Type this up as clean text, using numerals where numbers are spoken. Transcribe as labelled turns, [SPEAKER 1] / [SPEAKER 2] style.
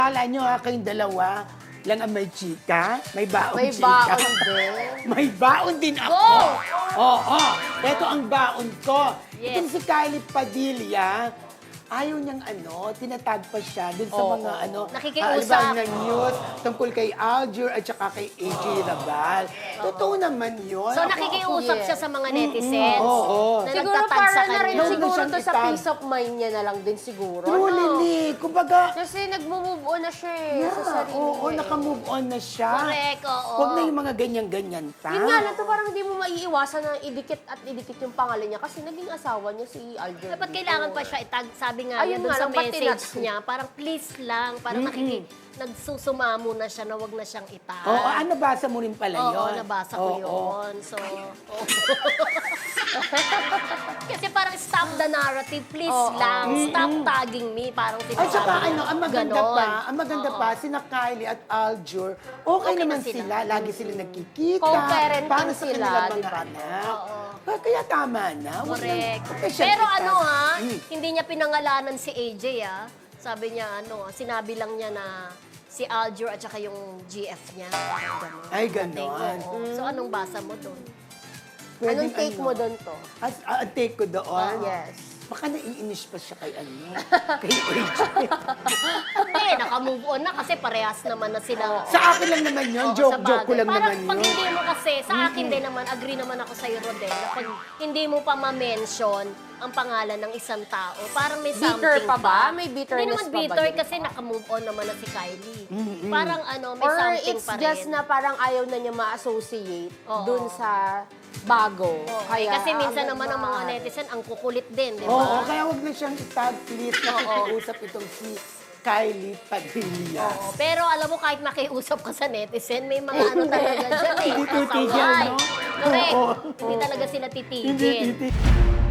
[SPEAKER 1] Akala nyo ha, kayong dalawa lang ang may chika, may baon
[SPEAKER 2] May
[SPEAKER 1] chika.
[SPEAKER 2] baon din.
[SPEAKER 1] May baon din ako.
[SPEAKER 2] Go!
[SPEAKER 1] Oo, ito ang baon ko.
[SPEAKER 3] Yes.
[SPEAKER 1] Itong si Kylie Padilla, ayaw niyang tinatag pa siya dun sa
[SPEAKER 2] Oo.
[SPEAKER 1] mga
[SPEAKER 3] Nakikiusap.
[SPEAKER 1] na news tungkol kay Aljur at saka kay AJ Rabal. Totoo naman yun.
[SPEAKER 3] So
[SPEAKER 1] Ako-
[SPEAKER 3] nakikiusap
[SPEAKER 2] yes.
[SPEAKER 3] siya sa mga netizens.
[SPEAKER 1] Oo.
[SPEAKER 3] Na
[SPEAKER 2] Siguro
[SPEAKER 3] nagtatag
[SPEAKER 2] para
[SPEAKER 3] sa
[SPEAKER 2] na rin
[SPEAKER 3] kanya.
[SPEAKER 1] Huwag na
[SPEAKER 2] siguro
[SPEAKER 1] siyang
[SPEAKER 2] to sa
[SPEAKER 1] itag.
[SPEAKER 2] peace of mind niya na lang din siguro.
[SPEAKER 1] Truly,
[SPEAKER 2] Ano?
[SPEAKER 1] Lee. Kumbaga,
[SPEAKER 2] Kasi nag-move on na siya eh, sa sarili
[SPEAKER 1] oo,
[SPEAKER 2] niya.
[SPEAKER 1] naka-move on na siya.
[SPEAKER 3] Correct, oo.
[SPEAKER 1] Huwag na yung mga ganyan-ganyan pa.
[SPEAKER 2] Yun nga lang to, parang hindi mo maiiwasan na idikit at idikit yung pangalan niya kasi naging asawa niya si Aljur.
[SPEAKER 3] Dapat kailangan pa siya itag. Sabi nga
[SPEAKER 2] Ayun
[SPEAKER 3] niya dun
[SPEAKER 2] nga
[SPEAKER 3] sa
[SPEAKER 2] lang, pati
[SPEAKER 3] message
[SPEAKER 2] na-
[SPEAKER 3] niya, parang please lang, parang nagsusumamo na siya na wag na siyang itag.
[SPEAKER 1] Oo, nabasa mo rin pala
[SPEAKER 3] Oo,
[SPEAKER 1] yun.
[SPEAKER 3] nabasa ko
[SPEAKER 1] Oo.
[SPEAKER 3] yun. So, kasi parang stop the narrative, please
[SPEAKER 2] Oo.
[SPEAKER 3] lang. Stop tagging me, parang
[SPEAKER 1] At
[SPEAKER 3] sinasabi.
[SPEAKER 1] saka ang maganda
[SPEAKER 3] Ganon.
[SPEAKER 1] pa, sina Kylie at Aljur, okay,
[SPEAKER 3] Okay
[SPEAKER 1] naman
[SPEAKER 3] na sila.
[SPEAKER 1] sila. Lagi sila nagkikita.
[SPEAKER 2] Co-parenting
[SPEAKER 1] para sa
[SPEAKER 2] sila,
[SPEAKER 1] kanilang mga
[SPEAKER 2] di ba?
[SPEAKER 1] anak. Kaya tama na. Huwag
[SPEAKER 3] Correct.
[SPEAKER 1] huwag na siyang
[SPEAKER 3] Pero
[SPEAKER 1] itag.
[SPEAKER 3] ano ha,
[SPEAKER 1] Mm.
[SPEAKER 3] hindi niya pinangalanan si AJ ha. Sabi niya sinabi lang niya na si Aljur at saka yung GF niya. Ganon.
[SPEAKER 1] Ay, ganon.
[SPEAKER 3] Oo. So anong basa mo doon?
[SPEAKER 2] Anong take mo doon to?
[SPEAKER 1] Ang take ko doon?
[SPEAKER 2] Yes.
[SPEAKER 1] Baka naiinis pa siya kay kay AJ.
[SPEAKER 3] Hindi, naka-move on na kasi parehas naman na sila.
[SPEAKER 1] Sa akin lang naman yun.
[SPEAKER 3] Oo,
[SPEAKER 1] Joke-joke
[SPEAKER 3] sa
[SPEAKER 1] ko
[SPEAKER 3] bagay.
[SPEAKER 1] lang
[SPEAKER 3] Parang
[SPEAKER 1] naman
[SPEAKER 3] pag
[SPEAKER 1] yun.
[SPEAKER 3] hindi mo kasi, sa akin din naman, agree naman ako sa'yo, Rodel, na pag hindi mo pa ma-mention ang pangalan ng isang tao, parang may
[SPEAKER 2] Bitter
[SPEAKER 3] something
[SPEAKER 2] pa ba? May bitterness
[SPEAKER 3] Hindi naman
[SPEAKER 2] pa ba
[SPEAKER 3] bitter
[SPEAKER 2] yun?
[SPEAKER 3] kasi naka-move on naman na si Kylie. Parang may
[SPEAKER 2] Or
[SPEAKER 3] something
[SPEAKER 2] it's
[SPEAKER 3] pa rin.
[SPEAKER 2] just na parang ayaw na niya ma-associate
[SPEAKER 3] Oo.
[SPEAKER 2] dun sa bago.
[SPEAKER 3] Oo,
[SPEAKER 2] Kaya,
[SPEAKER 3] kasi minsan naman ang mga
[SPEAKER 2] nagmahal.
[SPEAKER 3] netizen, ang kukulit din, di
[SPEAKER 1] Oo,
[SPEAKER 3] ba?
[SPEAKER 1] kaya huwag na siyang itag, please. Nakikiusap itong si Kylie Padilla.
[SPEAKER 3] Oo, pero alam mo, kahit makiusap ka sa netizen, may mga ano talaga dyan eh.
[SPEAKER 1] Hindi titigil,
[SPEAKER 3] kasaway.
[SPEAKER 1] no?
[SPEAKER 3] Correct.
[SPEAKER 1] Oo.
[SPEAKER 3] Hindi talaga sila titigil.
[SPEAKER 1] Hindi.